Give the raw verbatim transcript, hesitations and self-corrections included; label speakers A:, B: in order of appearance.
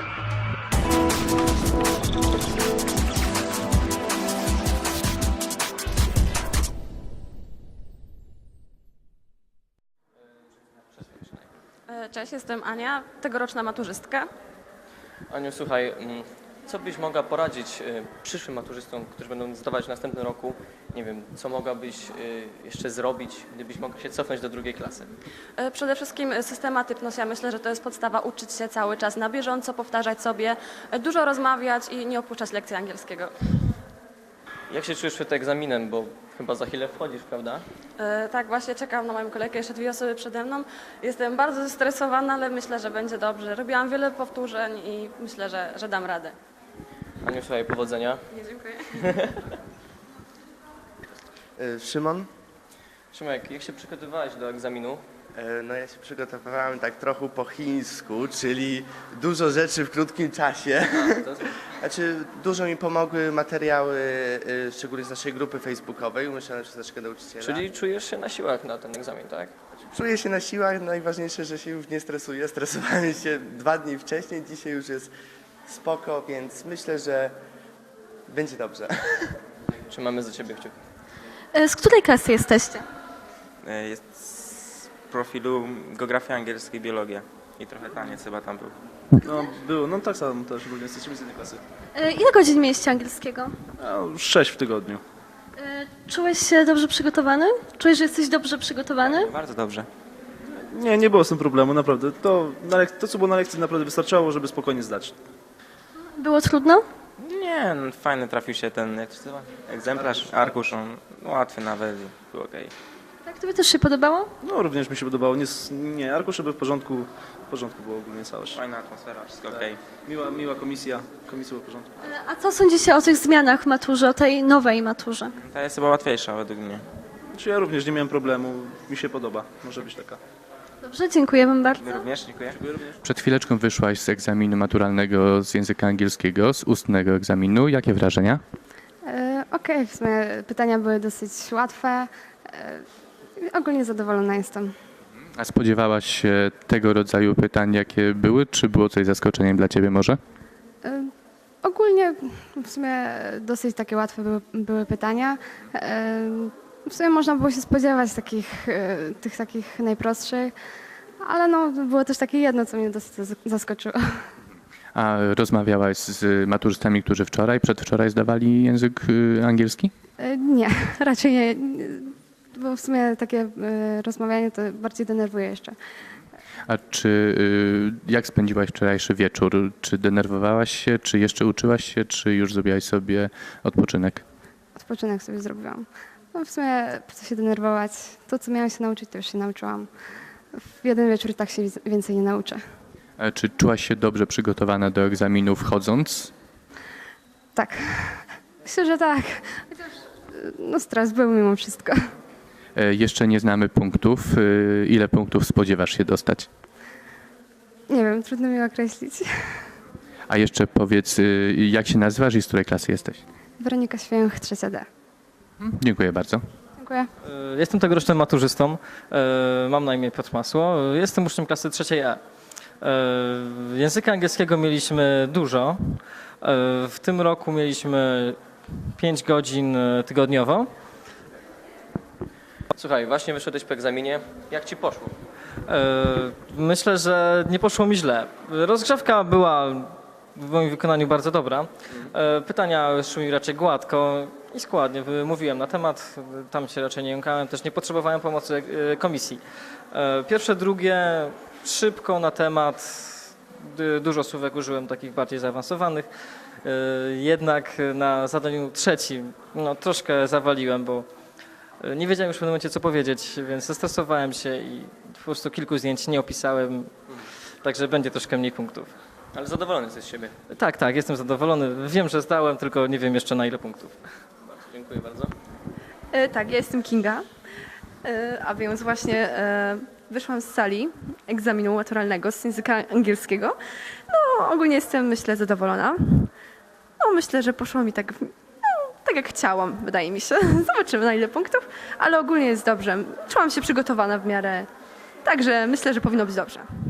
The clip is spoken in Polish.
A: Cześć, jestem Ania, tegoroczna maturzystka.
B: Aniu, słuchaj, mm, co byś mogła poradzić y, przyszłym maturzystom, którzy będą zdawać w następnym roku? Nie wiem, co mogłabyś y, jeszcze zrobić, gdybyś mogła się cofnąć do drugiej klasy?
A: E, Przede wszystkim systematyczność. Ja myślę, że to jest podstawa, uczyć się cały czas na bieżąco, powtarzać sobie, e, dużo rozmawiać i nie opuszczać lekcji angielskiego.
B: Jak się czujesz przed egzaminem, bo chyba za chwilę wchodzisz, prawda?
A: E, Tak, właśnie czekam na moją kolegę, jeszcze dwie osoby przede mną. Jestem bardzo zestresowana, ale myślę, że będzie dobrze. Robiłam wiele powtórzeń i myślę, że, że dam radę.
B: Aniu, słuchaj, powodzenia.
A: Nie, dziękuję.
C: E, Szymon?
B: Szymek, jak się przygotowywałeś do egzaminu?
C: E, No ja się przygotowywałem tak trochę po chińsku, czyli dużo rzeczy w krótkim czasie.
B: To-
C: Znaczy dużo mi pomogły materiały, e, szczególnie z naszej grupy facebookowej, umieszczone przez naszego nauczyciela.
B: Czyli czujesz się na siłach na ten egzamin, tak?
C: Czuję się na siłach, najważniejsze, że się już nie stresuję. Stresowałem się dwa dni wcześniej, dzisiaj już jest spoko, więc myślę, że będzie dobrze.
B: Trzymamy za ciebie kciuki.
D: Z której klasy jesteście?
E: E, Jest z profilu geografia angielska i biologia. I trochę taniec chyba tam był.
F: No, było, no tak samo też, ogólnie jesteśmy z jednej klasy.
D: Ile godzin mieliście angielskiego?
F: No, sześć w tygodniu.
D: Czułeś się dobrze przygotowany? Czujesz, że jesteś dobrze przygotowany?
E: Bardzo dobrze.
F: Nie, nie było z tym problemu, naprawdę. To, na lek- to co było na lekcji, naprawdę wystarczało, żeby spokojnie zdać.
D: Było trudno?
E: Nie, no, fajny trafił się ten, jak to się nazywa? Egzemplarz, arkusz, on łatwy nawet, był okej.
D: Tak, tobie też się podobało?
F: No, również mi się podobało. Nie, s- nie arkusze były w porządku, w porządku było ogólnie całość.
E: Fajna atmosfera, wszystko okej.
F: Miła, miła komisja, komisja była w porządku.
D: A co sądzicie o tych zmianach w maturze, o tej nowej maturze?
E: Ta jest chyba łatwiejsza według mnie.
F: Znaczy ja również nie miałem problemu, mi się podoba, może być taka.
D: Dobrze, dziękuję wam bardzo.
E: Wy również, dziękuję.
G: Przed chwileczką wyszłaś z egzaminu maturalnego z języka angielskiego, z ustnego egzaminu. Jakie wrażenia?
H: E, Okej, w sumie pytania były dosyć łatwe. E, Ogólnie zadowolona jestem.
G: A spodziewałaś się tego rodzaju pytań, jakie były, czy było coś zaskoczeniem dla ciebie może?
H: E, Ogólnie w sumie dosyć takie łatwe były, były pytania. E, W sumie można było się spodziewać takich, e, tych takich najprostszych, ale no, było też takie jedno, co mnie dosyć zas- zaskoczyło.
G: A rozmawiałaś z maturzystami, którzy wczoraj, przedwczoraj zdawali język y, angielski?
H: E, Nie, raczej nie, bo w sumie takie e, rozmawianie to bardziej denerwuje jeszcze.
G: A czy y, jak spędziłaś wczorajszy wieczór? Czy denerwowałaś się, czy jeszcze uczyłaś się, czy już zrobiłaś sobie odpoczynek?
H: Odpoczynek sobie zrobiłam. No w sumie po co się denerwować? To, co miałam się nauczyć, to już się nauczyłam. W jeden wieczór i tak się wiz- więcej nie nauczę.
G: A czy czułaś się dobrze przygotowana do egzaminu wchodząc?
H: Tak. Myślę, że tak. Chociaż no stres był mimo wszystko.
G: E, Jeszcze nie znamy punktów. Y, Ile punktów spodziewasz się dostać?
H: Nie wiem, trudno mi określić.
G: A jeszcze powiedz, y, jak się nazywasz i z której klasy jesteś?
H: Weronika Święch, trzecia D.
G: Dziękuję bardzo.
H: Dziękuję.
I: E, Jestem tegorocznym maturzystą. E, Mam na imię Piotr Masło. E, Jestem uczniem klasy trzeciej E. E, Języka angielskiego mieliśmy dużo. E, W tym roku mieliśmy pięć godzin e, tygodniowo.
B: Słuchaj, właśnie wyszedłeś po egzaminie. Jak ci poszło?
I: E, Myślę, że nie poszło mi źle. Rozgrzewka była w moim wykonaniu bardzo dobra. E, Pytania szły mi raczej gładko i składnie. Mówiłem na temat, tam się raczej nie jąkałem, też nie potrzebowałem pomocy e, komisji. E, Pierwsze, drugie szybko na temat, Du- dużo słówek użyłem takich bardziej zaawansowanych. E, Jednak na zadaniu trzecim no, troszkę zawaliłem, bo nie wiedziałem już w pewnym momencie, co powiedzieć, więc zestresowałem się i po prostu kilku zdjęć nie opisałem, także będzie troszkę mniej punktów.
B: Ale zadowolony jesteś z siebie.
I: Tak, tak, jestem zadowolony. Wiem, że zdałem, tylko nie wiem jeszcze na ile punktów.
B: Dziękuję bardzo.
J: E, Tak, ja jestem Kinga, e, a więc właśnie e, wyszłam z sali egzaminu maturalnego z języka angielskiego. No ogólnie jestem, myślę, zadowolona. No myślę, że poszło mi tak, no, tak jak chciałam, wydaje mi się. Zobaczymy na ile punktów, ale ogólnie jest dobrze. Czułam się przygotowana w miarę, także myślę, że powinno być dobrze.